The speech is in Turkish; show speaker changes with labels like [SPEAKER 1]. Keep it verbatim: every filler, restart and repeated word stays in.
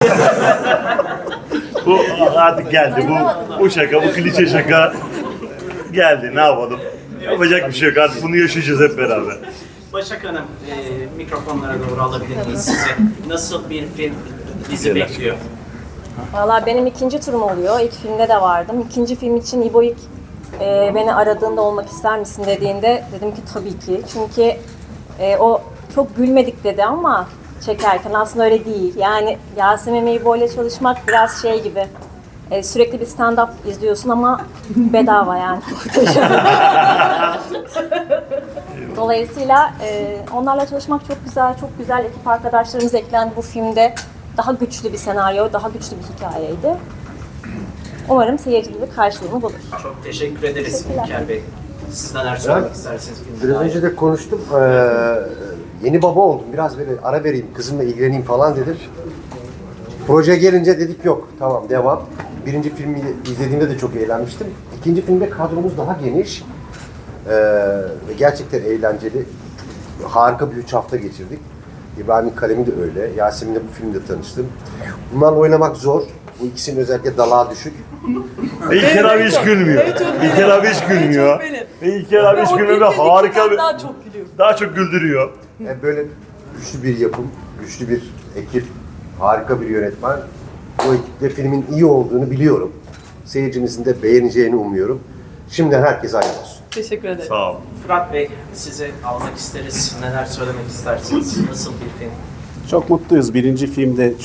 [SPEAKER 1] Bu artık geldi. Bu bu şaka, bu klişe şaka geldi. Ne yapalım? Yapacak bir şey yok. Artık bunu yaşayacağız hep beraber.
[SPEAKER 2] Başak Hanım, e, mikrofonlara doğru alabilir miyiz size? Nasıl bir film bizi bekliyor?
[SPEAKER 3] Valla benim ikinci turum oluyor. İlk filmde de vardım. İkinci film için İbo ilk e, beni aradığında olmak ister misin dediğinde dedim ki tabii ki. Çünkü e, o çok gülmedik dedi ama çekerken aslında öyle değil. Yani Yasemin ve İbo ile çalışmak biraz şey gibi. E, sürekli bir stand-up izliyorsun ama bedava yani. Dolayısıyla e, onlarla çalışmak çok güzel, çok güzel ekip arkadaşlarımız eklendi bu filmde. Daha güçlü bir senaryo, daha güçlü bir hikayeydi. Umarım seyirci gibi karşılığını bulur.
[SPEAKER 2] Çok teşekkür ederiz
[SPEAKER 3] Teşekkürler.
[SPEAKER 2] İlker Bey. Siz neler söylemek istersiniz? filmle
[SPEAKER 4] Biraz
[SPEAKER 2] dair?
[SPEAKER 4] önce de konuştum. Ee, yeni baba oldum. Biraz böyle ara vereyim, kızımla ilgileneyim falan dedim. Proje gelince dedik yok, tamam devam. Birinci filmi izlediğimde de çok eğlenmiştim. İkinci filmde kadromuz daha geniş. Ee, ve gerçekten eğlenceli. Harika bir üç hafta geçirdik. İbrahim'in kalemi de öyle. Yasemin'le bu filmde tanıştım. Bunlarla oynamak zor. Bu ikisinin özellikle dalağı düşük.
[SPEAKER 1] Ve İlker abi hiç gülmüyor. İlker abi hiç gülmüyor. Ve İlker abi hiç gülmüyor ve harika bir...
[SPEAKER 5] Daha çok gülüyor.
[SPEAKER 1] Daha çok güldürüyor.
[SPEAKER 4] Yani böyle güçlü bir yapım, güçlü bir ekip, harika bir yönetmen. Bu ekipte filmin iyi olduğunu biliyorum. Seyircimizin de beğeneceğini umuyorum. Şimdiden herkese hayırlı olsun.
[SPEAKER 5] Teşekkür ederim.
[SPEAKER 1] Sağ ol.
[SPEAKER 2] Fırat Bey, sizi almak isteriz. Neler söylemek istersiniz? Nasıl bir film?
[SPEAKER 6] Çok mutluyuz. Birinci filmde